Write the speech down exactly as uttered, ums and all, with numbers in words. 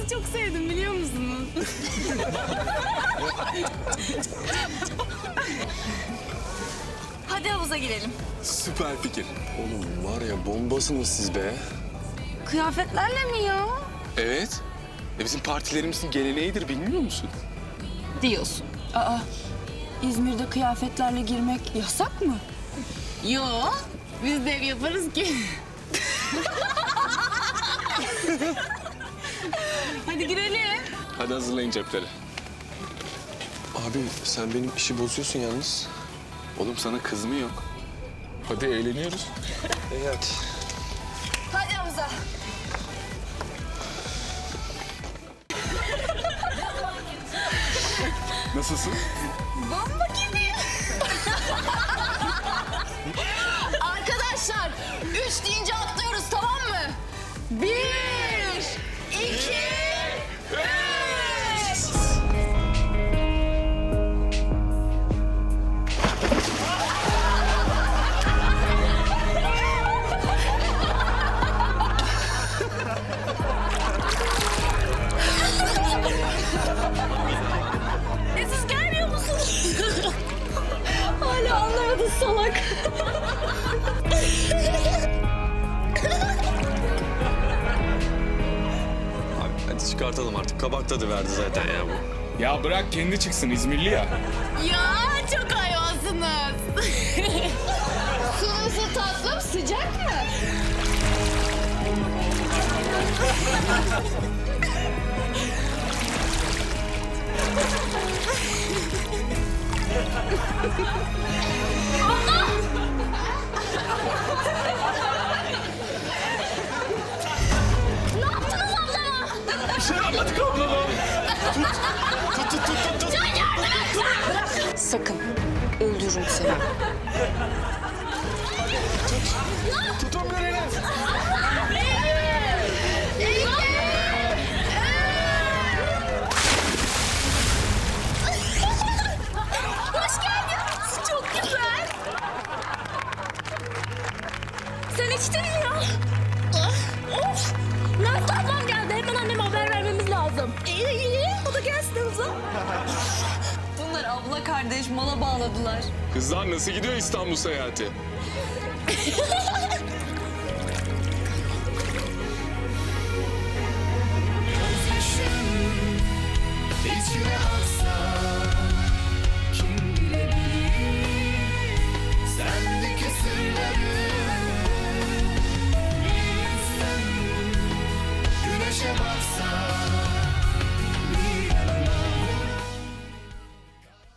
sizi çok sevdim biliyor musunuz? Hadi havuza girelim. Süper fikir. Oğlum var ya bombasınız siz be. Kıyafetlerle mi ya? Evet. E bizim partilerimizin geleneğidir bilmiyor musun? Diyorsun. Aa, İzmir'de kıyafetlerle girmek yasak mı? Yo, biz de ev yaparız ki. Hadi girelim. Hadi hazırlayın cepleri. Abi sen benim işi bozuyorsun yalnız. Oğlum sana kız mı yok? Hadi eğleniyoruz. Evet. Hadi havuza. Nasılsın? Bomba gibi. Arkadaşlar, üç deyince atlıyoruz tamam mı? Bir, iki, üç. E siz gelmiyor musunuz? Hala anlamadın salak. Abi hadi çıkartalım artık. Kabak tadı verdi zaten ya bu. Ya bırak kendi çıksın İzmirli ya. Ya çok hayvansınız. Su nasıl tatlım, sıcak mı? Ne yaptınız ablama? Bir şey yapmadık ablama. Tut, tut, tut, tut, tut. Can yardım et! Sakın, öldürürüm seni. Tutun birini. Hoş geldin. Çok güzel. Sen içtin mi ya? Of! Nazlı ablam geldi. Hemen anneme haber vermemiz lazım. İyi iyi. O da gelsin hızla. Bunlar abla kardeş mala bağladılar. Kızlar nasıl gidiyor İstanbul seyahati? İçine aksa kim bilebilir sendeki sırları bilsen güneşe baksa